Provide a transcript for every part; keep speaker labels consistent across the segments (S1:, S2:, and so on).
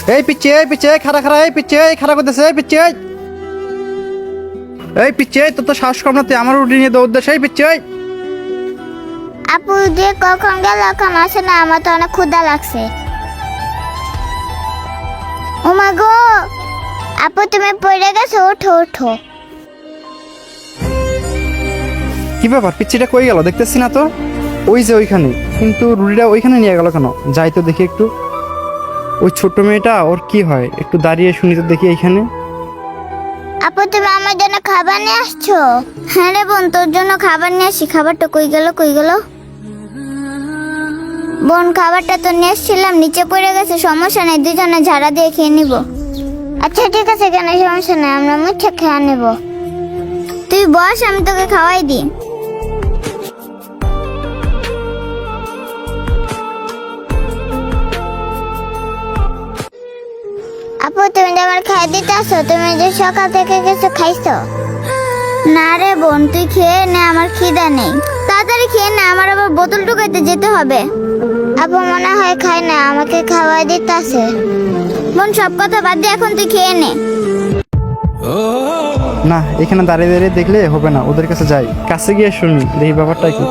S1: এই পিচ্ছে খাড়া এই পিচ্ছে খাড়া করতেছে এই পিচ্ছে তোর তো শ্বাস কম না, তুই আমার রুটি নিয়ে দৌড় দেশ। এই পিচ্ছে
S2: আপু যে কখন গেল এখন আসে না, আমার তো অনেক ক্ষুধা লাগছে। ওমা গো, আপু তুমি পড়ে গেছো, ওঠো ওঠো।
S1: কি ব্যাপার, পিচ্ছিটা কই গেল দেখতেছি না তো। ওই যে ওইখানে, কিন্তু রুটিটা ওইখানে নিয়ে গেল কেন? যাই তো দেখি একটু। ওই ছোট্ট মেয়েটা ওর কি হয়, একটু দাঁড়িয়ে শুনি তো দেখি এইখানে।
S2: আপু তুমি আমার জন্য খাবার নিয়ে আসছো? হ্যাঁ রে বোন, তোর জন্য খাবার নিয়ে আসি। খাবারটা কই গেল বোন? খাবারটা তো নিয়ে এসেছিলাম, নিচে পড়ে গেছে। সমস্যা নেই, দুজনে ঝাড়া দিয়ে খেয়ে নিব। আচ্ছা ঠিক আছে, কেন সমস্যা নেই, আমরা মুঠে খেয়ে নেব। তুই বস, আমি তোকে খাওয়াই দিই। আপু তুমি যে আমার খাই দিতে আসো, তুমি যে সকাল থেকে কিছু খাইছো? না রে বোন, তুই খেয়ে নে, আমার খিদা নেই। তাড়াতাড়ি খেয়ে নে, আমার আবার বোতল টুকাইতে যেতে হবে। আপু মনে হয় খাই না, আমাকে খাওয়াই দিতে আসে। বোন সব কথা বাদ দিয়ে এখন তুই খেয়ে নে।
S1: না, এখানে দাঁড়িয়ে দাঁড়িয়ে দেখলে হবে না, ওদের কাছে যাই, কাছে গিয়ে শুনি দেখি ব্যাপারটা কি।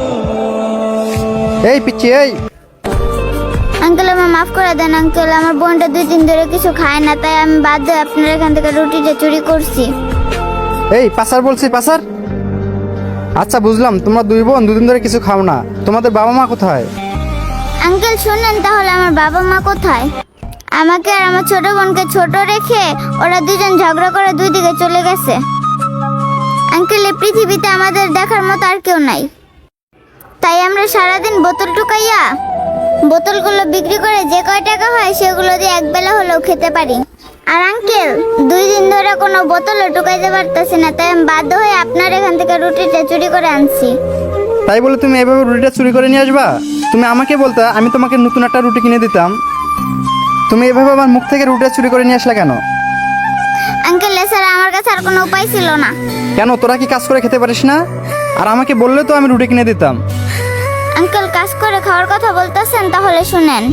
S1: এই পিচ্ছি এই
S2: আঙ্কেল আমার মাফ করে দেন আঙ্কেল, আমার বোনটা 2 দিন ধরে কিছু খায় না, তাই আমি বাধ্য হয়ে আপনার এখান থেকে রুটিটা চুরি করছি।
S1: এই পাসার বলছি, পাসার। আচ্ছা বুঝলাম, তোমরা 2 বোন 2 দিন ধরে কিছু খাও না। তোমাদের বাবা মা কোথায়?
S2: আঙ্কেল শুনেন, তাহলে আমার বাবা মা কোথায়? আমাকে আর আমার ছোট বোনকে ছোট রেখে ওরা দুজন ঝগড়া করে 2 দিকে চলে গেছে। আঙ্কেল এই পৃথিবীতে আমাদের দেখার মতো আর কেউ নাই, তাই আমরা সারাদিন বোতল টুকাইয়া বোতলগুলো বিক্রি করে যে কয় টাকা হয় সেগুলো দিয়ে একবেলা হলেও খেতে পারি। আর আঙ্কেল 2 দিন ধরে কোনো বোতলও টুকাইতে পারতেছি না, তাই আমি বাধ্য হয়ে আপনার এখান থেকে রুটিটা চুরি করে আনছি।
S1: তাই বলে তুমি এভাবে রুটিটা চুরি করে নিয়ে আসবা? তুমি আমাকে বলতে, আমি তোমাকে নতুন একটা রুটি কিনে দিতাম। তুমি এভাবে আমার মুখ থেকে রুটিটা চুরি করে নিয়ে আসলে কেন?
S2: আঙ্কেল এছাড়া আমার কাছে আর কোনো উপায় ছিল না।
S1: কেন, তোরা কি কাজ করে খেতে পারিস না? আর আমাকে বললে তো আমি রুটি কিনে দিতাম।
S2: আঙ্কেল কাজ করে খাওয়ার কথা বলতেছেন, তাহলে শুনেন।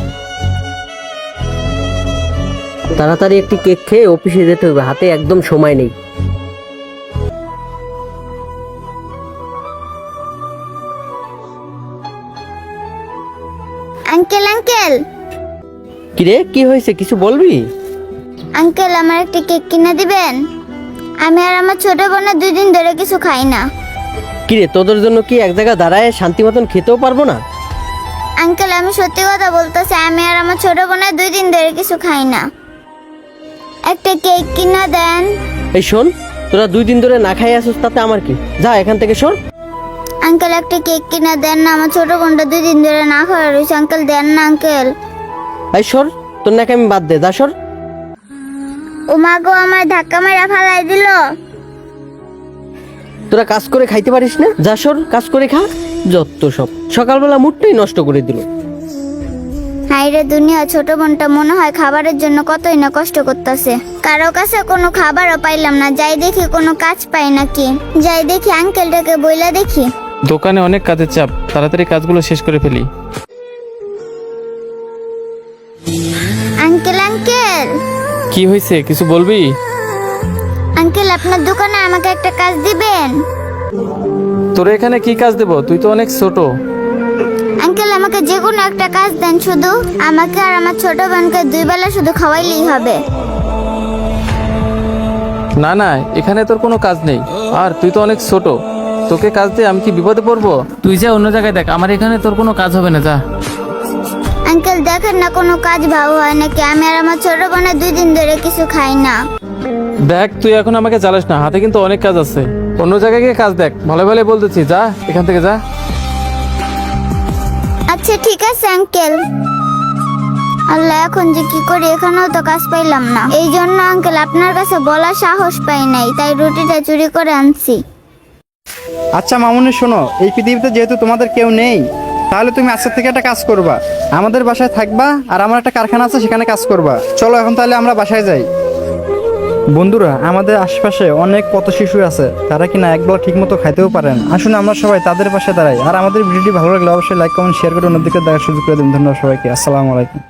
S3: তাড়াতাড়ি একটি কেক খেয়ে অফিসে যেতে হবে, হাতে একদম সময় নেই।
S2: আঙ্কেল
S3: কিরে, কি হয়েছে, কিছু বলবি?
S2: আঙ্কেল আমার একটা কেক কিনে দিবেন? আমি আর আমার ছোট বোনের 2 দিন ধরে কিছু খাই না।
S3: কিরে, তোদের জন্য কি এক জায়গায় দাঁড়ায় শান্তি মতন খেতেও পারবো না?
S2: আঙ্কেল আমি সত্যি কথা বলতেছি, আমি আর আমার ছোট বোনের 2 দিন ধরে কিছু খাই না। একটা কেক কিনে দেন।
S3: এই শোন, তোরা 2 দিন ধরে না খাই আসিস, তাতে আমার কি? যা এখান থেকে সর।
S2: আঙ্কেল একটা কেক কিনে দেন না, আমার ছোট বোনটা 2 দিন ধরে না খাওয়া রয়েছে। আঙ্কেল দেন না আঙ্কেল।
S3: এই সর, তোর নাকি আমি বাদ দে, যা সর।
S2: ও মা গো, আমার ধাক্কা মেরা ফালাই দিল।
S3: তোরা কাজ করে খাইতে পারিস না? যা সর, কাজ করে খা। যত সব সকালবেলা মুডটাই নষ্ট করে দিল।
S2: হাইরে দুনিয়া, ছোট বোনটা মনে হয় খাবারের জন্য কতই না কষ্ট করতেছে। কারো কাছে কোনো খাবারও পাইলাম না, যাই দেখি কোনো কাজ পাই নাকি। যাই দেখি আঙ্কেলটাকে বইলা দেখি।
S4: দোকানে অনেক কাজের চাপ, তাড়াতাড়ি কাজগুলো শেষ করে ফেলি।
S2: আঙ্কেল
S4: কি হয়েছে, কিছু বলবি?
S2: আঙ্কেল আপনার দোকানে আমাকে একটা কাজ দিবেন?
S4: তোর এখানে কি কাজ দেব? তুই তো অনেক ছোট।
S2: আঙ্কেল আমাকে যে কোনো একটা কাজ দেন, শুধু আমাকে আর আমার ছোট বোনকে 2 বেলা শুধু খাওয়াইলেই হবে।
S4: না না, এখানে তোর কোনো কাজ নেই, আর তুই তো অনেক ছোট, তোকে কাজ দিয়ে আমি কি বিপদে পড়বো? তুই যা অন্য জায়গায় দেখ, আমার এখানে তোর কোনো কাজ হবে না, যা।
S2: আঙ্কেল দেখেন না, কোনো কাজ ভালো হয় নাকি? আমি আর আমার ছোট বোনের 2 দিন ধরে কিছু খাই না।
S4: দেখ, তুই এখন আমাকে জ্বালাস না, হাতে কিন্তু অনেক কাজ আছে, অন্য জায়গায় গিয়ে কাজ দেখ। ভালো ভালো বলতেছি, যা এখান থেকে যা।
S2: আচ্ছা ঠিক আছে আঙ্কেল। আল্লাহ, এখন যে কি করি, এখানেও তো কাজ পাইলাম না। এই জন্য আঙ্কেল আপনার কাছে বলার সাহস পাই নাই, তাই রুটিটা চুরি করে আনছি।
S1: আচ্ছা মামুনি শোনো, এই পৃথিবীতে যেহেতু তোমাদের কেউ নেই, তাহলে তুমি আজকে থেকে একটা কাজ করবা, আমাদের বাসায় থাকবা, আর আমার একটা কারখানা আছে সেখানে কাজ করবা। চলো এখন তাহলে আমরা বাসায় যাই। বন্ধুরা, আমাদের আশেপাশে অনেক পথ শিশু আছে, তারা কিনা একবেলা ঠিক মতো খাইতেও পারেন। আসুন আমরা সবাই তাদের পাশে দাঁড়াই। আর আমাদের ভিডিওটি ভালো লাগলে অবশ্যই লাইক কমেন্ট শেয়ার করে অন্যদিকে দেখার সুযোগ করে দিন। ধন্যবাদ সবাইকে। আসসালামু আলাইকুম।